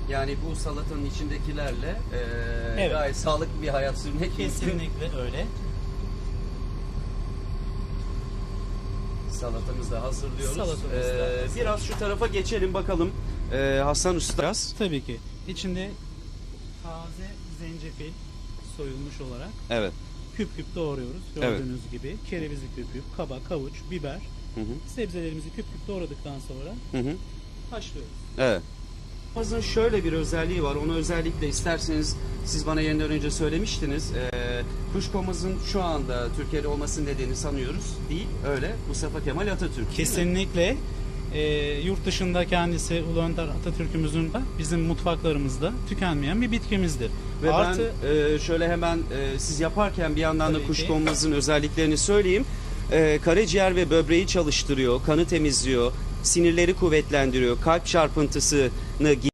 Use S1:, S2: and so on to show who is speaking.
S1: Yani bu salatanın içindekilerle
S2: Evet.
S1: gayet sağlıklı bir hayat sürmek mümkün.
S2: Kesinlikle öyle.
S1: Salatamızı da hazırlıyoruz.
S2: Salatamız da hazır.
S1: Biraz şu tarafa geçelim bakalım. Hasan Usta.
S2: Tabii ki. İçinde taze zencefil soyulmuş olarak
S1: Evet.
S2: küp küp doğruyoruz. Gördüğünüz gibi. Kerevizi küp küp, kabak, havuç, biber.
S1: Hı hı.
S2: Sebzelerimizi küp küp doğradıktan sonra
S1: Hı hı.
S2: haşlıyoruz.
S1: Evet. Kuşkonmazın şöyle bir özelliği var. Onu özellikle isterseniz siz bana yayından önce söylemiştiniz. Kuşkonmazın şu anda Türkiye'de olmasının nedeni sanıyoruz. Değil, öyle. Mustafa Kemal Atatürk. Değil mi?
S2: Kesinlikle yurt dışında kendisi Ulu Önder Atatürk'ümüzün de bizim mutfaklarımızda tükenmeyen bir bitkimizdir.
S1: Ve
S2: Artı
S1: ben şöyle hemen siz yaparken bir yandan da
S2: Tabii ki.
S1: kuşkonmazın özelliklerini söyleyeyim. Karaciğer ve böbreği çalıştırıyor, kanı temizliyor, sinirleri kuvvetlendiriyor, kalp çarpıntısını